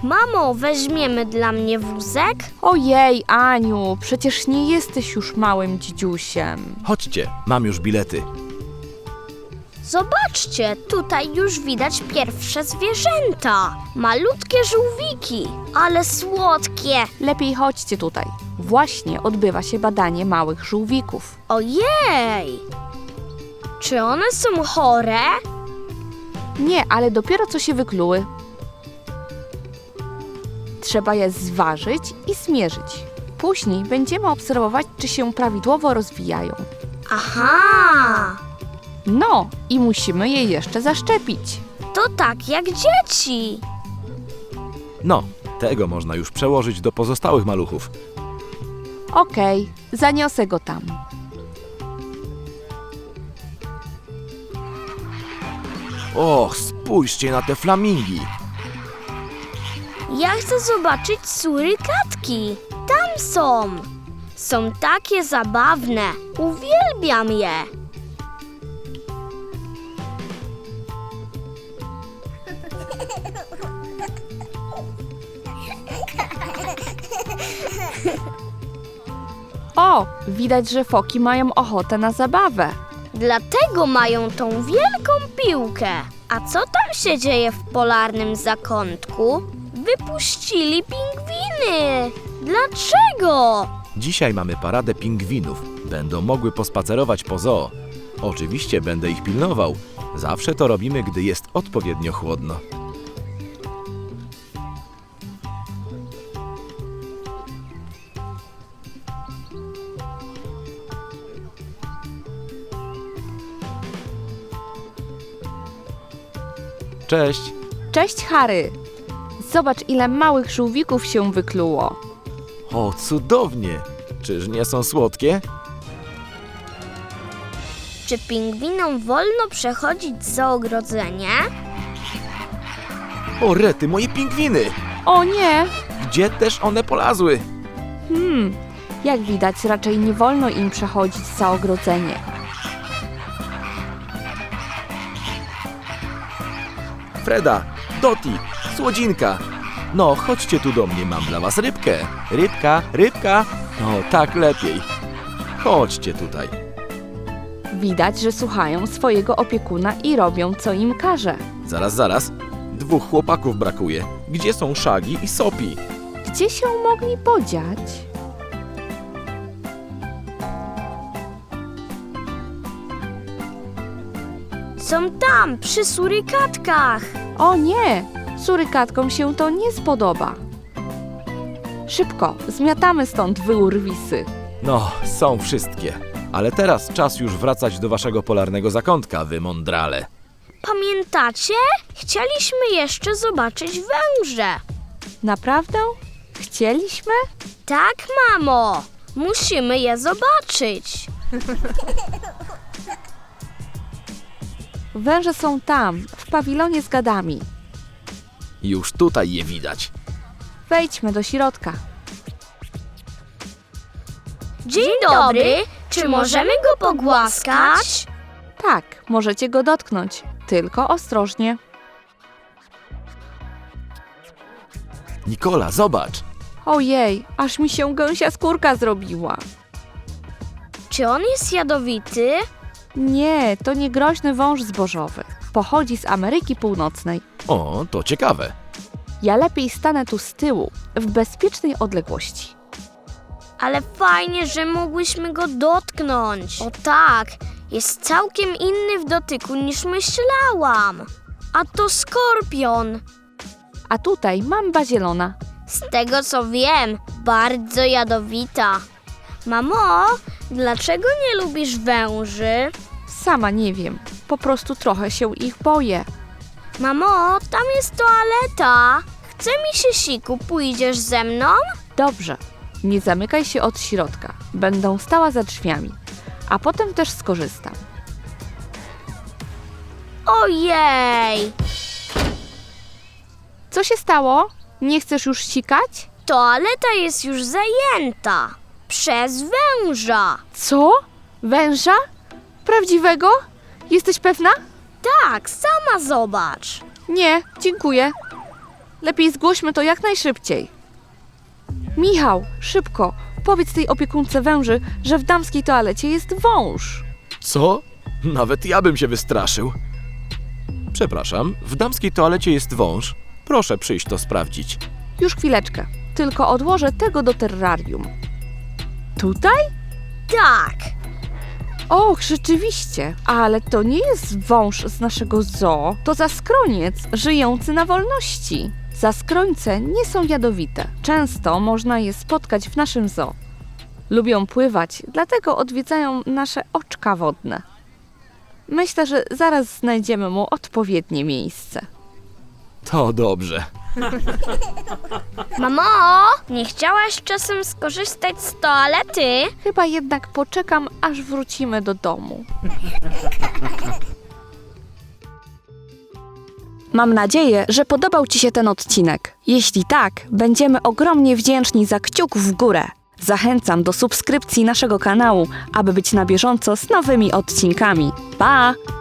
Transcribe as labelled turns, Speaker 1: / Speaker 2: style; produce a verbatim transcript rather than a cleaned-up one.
Speaker 1: Mamo, weźmiemy dla mnie wózek?
Speaker 2: Ojej, Aniu, przecież nie jesteś już małym dzidziusiem.
Speaker 3: Chodźcie, mam już bilety.
Speaker 1: Zobaczcie, tutaj już widać pierwsze zwierzęta. Malutkie żółwiki, ale słodkie.
Speaker 2: Lepiej chodźcie tutaj. Właśnie odbywa się badanie małych żółwików.
Speaker 1: Ojej! Czy one są chore?
Speaker 2: Nie, ale dopiero co się wykluły. Trzeba je zważyć i zmierzyć. Później będziemy obserwować, czy się prawidłowo rozwijają.
Speaker 1: Aha!
Speaker 2: No, i musimy je jeszcze zaszczepić.
Speaker 1: To tak jak dzieci.
Speaker 3: No, tego można już przełożyć do pozostałych maluchów.
Speaker 2: Okej, zaniosę go tam.
Speaker 3: Och, spójrzcie na te flamingi.
Speaker 1: Ja chcę zobaczyć surykatki. Tam są. Są takie zabawne. Uwielbiam je.
Speaker 2: O, widać, że foki mają ochotę na zabawę.
Speaker 1: Dlatego mają tą wielką piłkę. A co tam się dzieje w polarnym zakątku? Wypuścili pingwiny. Dlaczego?
Speaker 3: Dzisiaj mamy paradę pingwinów. Będą mogły pospacerować po zoo. Oczywiście będę ich pilnował. Zawsze to robimy, gdy jest odpowiednio chłodno. Cześć!
Speaker 2: Cześć, Harry. Zobacz, ile małych żółwików się wykluło.
Speaker 3: O, cudownie! Czyż nie są słodkie?
Speaker 1: Czy pingwinom wolno przechodzić za ogrodzenie?
Speaker 3: O, rety, moje pingwiny!
Speaker 2: O nie!
Speaker 3: Gdzie też one polazły?
Speaker 2: Hmm, jak widać, raczej nie wolno im przechodzić za ogrodzenie.
Speaker 3: Freda, Doti, Słodzinka. No, chodźcie tu do mnie, mam dla was rybkę. Rybka, rybka. No, tak lepiej. Chodźcie tutaj.
Speaker 2: Widać, że słuchają swojego opiekuna i robią, co im każe.
Speaker 3: Zaraz, zaraz. Dwóch chłopaków brakuje. Gdzie są Shaggy i Sopi?
Speaker 2: Gdzie się mogli podziać?
Speaker 1: Są tam, przy surykatkach.
Speaker 2: O nie! Surykatkom się to nie spodoba. Szybko, zmiatamy stąd wy urwisy.
Speaker 3: No, są wszystkie. Ale teraz czas już wracać do waszego polarnego zakątka, wy mądrale.
Speaker 1: Pamiętacie? Chcieliśmy jeszcze zobaczyć węże.
Speaker 2: Naprawdę? Chcieliśmy?
Speaker 1: Tak, mamo. Musimy je zobaczyć.
Speaker 2: Węże są tam, w pawilonie z gadami.
Speaker 3: Już tutaj je widać.
Speaker 2: Wejdźmy do środka.
Speaker 1: Dzień dobry. Czy możemy go pogłaskać?
Speaker 2: Tak, możecie go dotknąć, tylko ostrożnie.
Speaker 3: Nikola, zobacz.
Speaker 2: Ojej, aż mi się gęsia skórka zrobiła.
Speaker 1: Czy on jest jadowity?
Speaker 2: Nie, to nie groźny wąż zbożowy. Pochodzi z Ameryki Północnej.
Speaker 3: O, to ciekawe.
Speaker 2: Ja lepiej stanę tu z tyłu, w bezpiecznej odległości.
Speaker 1: Ale fajnie, że mogłyśmy go dotknąć. O tak, jest całkiem inny w dotyku niż myślałam. A to skorpion.
Speaker 2: A tutaj mamba zielona.
Speaker 1: Z tego co wiem, bardzo jadowita. Mamo, dlaczego nie lubisz węży?
Speaker 2: Sama nie wiem, po prostu trochę się ich boję.
Speaker 1: Mamo, tam jest toaleta. Chce mi się siku, pójdziesz ze mną?
Speaker 2: Dobrze, nie zamykaj się od środka. Będę stała za drzwiami, a potem też skorzystam.
Speaker 1: Ojej!
Speaker 2: Co się stało? Nie chcesz już sikać?
Speaker 1: Toaleta jest już zajęta. Przez węża.
Speaker 2: Co? Węża? Prawdziwego? Jesteś pewna?
Speaker 1: Tak, sama zobacz.
Speaker 2: Nie, dziękuję. Lepiej zgłośmy to jak najszybciej. Michał, szybko, powiedz tej opiekunce węży, że w damskiej toalecie jest wąż.
Speaker 3: Co? Nawet ja bym się wystraszył. Przepraszam, w damskiej toalecie jest wąż. Proszę przyjść to sprawdzić.
Speaker 2: Już chwileczkę, tylko odłożę tego do terrarium. Tutaj?
Speaker 1: Tak.
Speaker 2: Och, rzeczywiście, ale to nie jest wąż z naszego zoo, to zaskroniec żyjący na wolności. Zaskrońce nie są jadowite. Często można je spotkać w naszym zoo. Lubią pływać, dlatego odwiedzają nasze oczka wodne. Myślę, że zaraz znajdziemy mu odpowiednie miejsce.
Speaker 3: To dobrze.
Speaker 1: Mamo, nie chciałaś czasem skorzystać z toalety?
Speaker 2: Chyba jednak poczekam, aż wrócimy do domu. Mam nadzieję, że podobał Ci się ten odcinek. Jeśli tak, będziemy ogromnie wdzięczni za kciuk w górę. Zachęcam do subskrypcji naszego kanału, aby być na bieżąco z nowymi odcinkami. Pa!